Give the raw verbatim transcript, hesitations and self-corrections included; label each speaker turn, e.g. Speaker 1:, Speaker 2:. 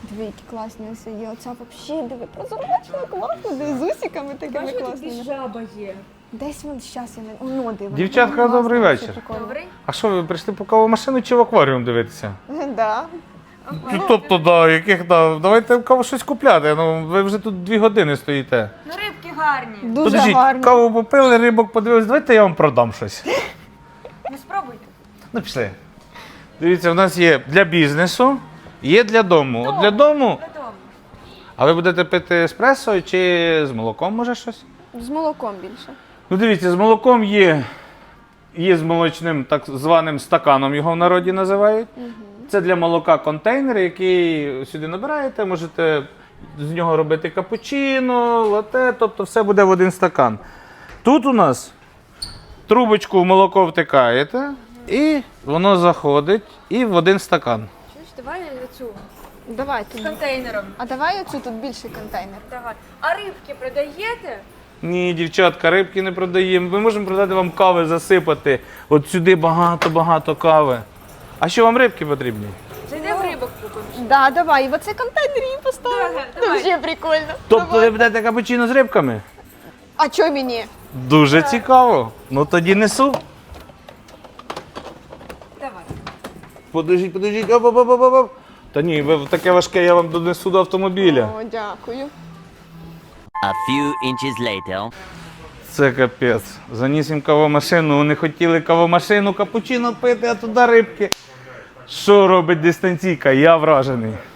Speaker 1: Диви, які класні ось є. Оця взагалі, диви, прозрачна, класно, диви, з усиками такими
Speaker 2: Бачиш,
Speaker 1: класними.
Speaker 2: тобі жаба є.
Speaker 1: Десь вон, щас я не... Оно, диви.
Speaker 3: Дівчатка,
Speaker 1: Класно,
Speaker 3: добрий
Speaker 1: вообще
Speaker 3: вечір.
Speaker 1: прикольно.
Speaker 2: Добрий?
Speaker 3: А що, ви прийшли по кавомашину чи в акваріум дивитися?
Speaker 1: Да.
Speaker 3: Ну, тобто, да, яких, да, давайте в каву щось купляти, ну, ви вже тут дві години стоїте.
Speaker 2: Ну рибки гарні.
Speaker 1: Дуже
Speaker 3: Подождіть,
Speaker 1: гарно.
Speaker 3: каву попили, рибок подивились, давайте я вам продам щось.
Speaker 2: Ну спробуйте.
Speaker 3: Ну, пішли. Дивіться, в нас є для бізнесу, є для дому. От для дому,
Speaker 2: Додому.
Speaker 3: а ви будете пити еспресо чи з молоком, може щось?
Speaker 1: З молоком більше.
Speaker 3: Ну, дивіться, з молоком є, є з молочним так званим стаканом, його в народі називають. Це для молока контейнер, який сюди набираєте, можете з нього робити капучино, лате, тобто все буде в один стакан. Тут у нас трубочку в молоко втикаєте, і воно заходить і в один стакан.
Speaker 2: Чуєш, давай цю
Speaker 1: Давай
Speaker 2: з
Speaker 1: тут.
Speaker 2: контейнером.
Speaker 1: А давай оцю тут більший контейнер.
Speaker 2: Давай. А рибки продаєте?
Speaker 3: Ні, дівчатка, рибки не продаємо. Ми можемо продати вам кави, засипати. От сюди багато-багато кави. А що вам рибки потрібні?
Speaker 2: Зайдемо рибок купимо.
Speaker 1: Да, давай, і в оцей контейнер її поставимо.
Speaker 2: Давай, давай.
Speaker 1: Дуже прикольно.
Speaker 3: Тобто
Speaker 1: Давай.
Speaker 3: ви будете капучино з рибками?
Speaker 1: А чо мені?
Speaker 3: Дуже цікаво. Ну тоді несу.
Speaker 2: Давай.
Speaker 3: Подождіть, подождіть. Оп, оп, оп, оп, оп. Та ні, ви таке важке, я вам донесу до автомобіля.
Speaker 1: О, дякую.
Speaker 4: A few inches later.
Speaker 3: Це капець. Заніс їм кавомашину, вони хотіли кавомашину, капучино пити, а туди рибки. Що робить дистанційка? Я вражений.